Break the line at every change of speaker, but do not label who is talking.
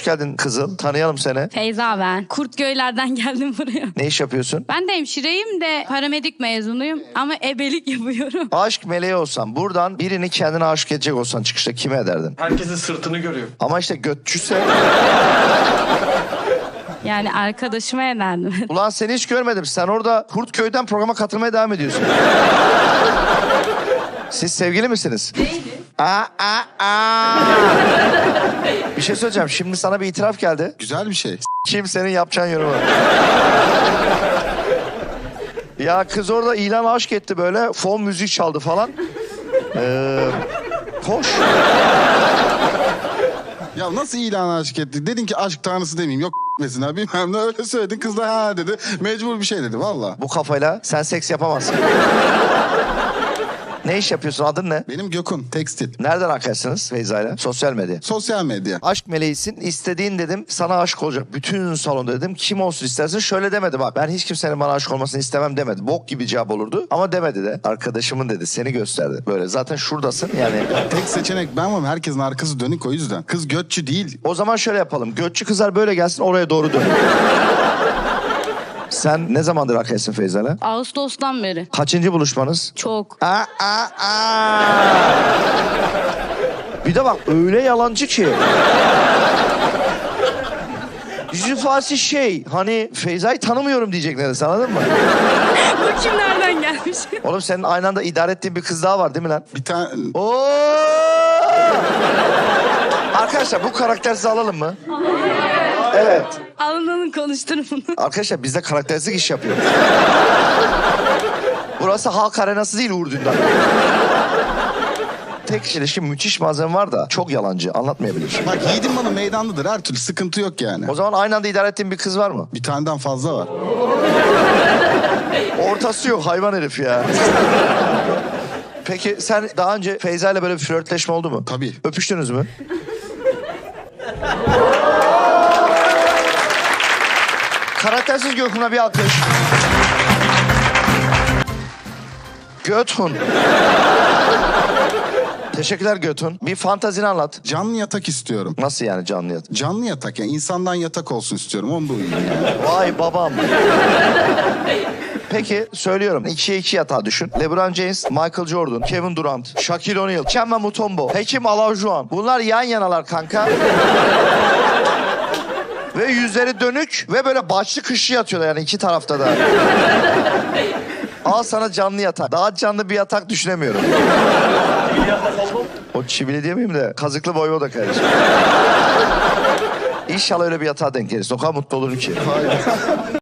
Hoş geldin Kızıl. Tanıyalım seni.
Feyza ben. Kurtköy'lerden geldim buraya.
Ne iş yapıyorsun?
Ben de hemşireyim de paramedik mezunuyum ama ebelik yapıyorum.
Aşk meleği olsan, buradan birini kendine aşık edecek olsan çıkışta kime ederdin?
Herkesin sırtını görüyor.
Ama işte götçüse...
Yani arkadaşıma ederdim.
Ulan seni hiç görmedim. Sen orada Kurtköy'den programa katılmaya devam ediyorsun. Siz sevgili misiniz?
Değiliz.
Bir şey söyleyeceğim. Şimdi sana bir itiraf geldi.
Güzel bir şey.
Kimsenin yapacağın yorumu. Ya kız orada ilan aşk etti böyle. Fon müzik çaldı falan. Hoş.
Ya nasıl ilan aşık etti? Dedin ki aşk tanrısı demeyeyim. Yok mesela bilmem ne öyle söyledin. Kız da ha dedi. Mecbur bir şey dedi valla.
Bu kafayla sen seks yapamazsın. Ne iş yapıyorsun? Adın ne?
Benim Gökhan tekstil.
Nereden arkadaşsınız Feyza'yla? Sosyal medya.
Sosyal medya.
Aşk meleğisin. İstediğin dedim. Sana aşık olacak. Bütün salonda dedim. Kim olsun istersin? Şöyle demedi bak. Ben hiç kimsenin bana aşık olmasını istemem demedi. Bok gibi cevap olurdu. Ama demedi de. Arkadaşımın dedi. Seni gösterdi. Böyle zaten şuradasın yani.
Tek seçenek ben ama herkesin arkası dönük o yüzden. Kız götçü değil.
O zaman şöyle yapalım. Götçü kızlar böyle gelsin oraya doğru dön. Sen ne zamandır arkadaşsın Feyza'yla?
Ağustos'tan beri.
Kaçıncı buluşmanız?
Çok.
Bir de bak öyle yalancı ki. Yüzü ifadesi şey. Hani Feyza'yı tanımıyorum diyecek neredeyse, anladın mı?
Bu kim nereden gelmiş?
Oğlum senin aynı anda idare ettiğin bir kız daha var değil mi lan?
Bir tane...
Oo! Arkadaşlar bu karaktersiz alalım mı? Evet.
Alınanın konuşturun bunu.
Arkadaşlar biz de karakteristik iş yapıyoruz. Burası halk arenası değil Uğur Dündar. Tek ilişki müthiş malzeme var da çok yalancı, anlatmayabilir.
Bak yiğidin bana meydanlıdır her türlü sıkıntı yok yani.
O zaman aynı anda idare ettiğin bir kız var mı?
Bir taneden fazla var.
Ortası yok, hayvan herif ya. Peki sen daha önce Feyza ile böyle bir flörtleşme oldu mu?
Tabii.
Öpüştünüz mü? Karaktersiz Gökhan'a bir alkış. Göthun. Teşekkürler Göthun. Bir fantazini anlat.
Canlı yatak istiyorum.
Nasıl yani canlı yatak?
Canlı yatak yani insandan yatak olsun istiyorum. Onu da uyuyayım yani.
Vay babam. Peki söylüyorum. 2'ye 2 yatağı düşün. LeBron James, Michael Jordan, Kevin Durant, Shaquille O'Neal, Kemba Mutombo, Hakeem Olajuwon. Bunlar yan yanalar kanka. Ve yüzleri dönük ve böyle başlı kışlı yatıyorlar yani iki tarafta da. Al sana canlı yatak. Daha canlı bir yatak düşünemiyorum. O çivili diyemeyeyim de kazıklı voyvoda kardeşim. İnşallah öyle bir yatağa denk gelirsin. O kadar mutlu olurum ki.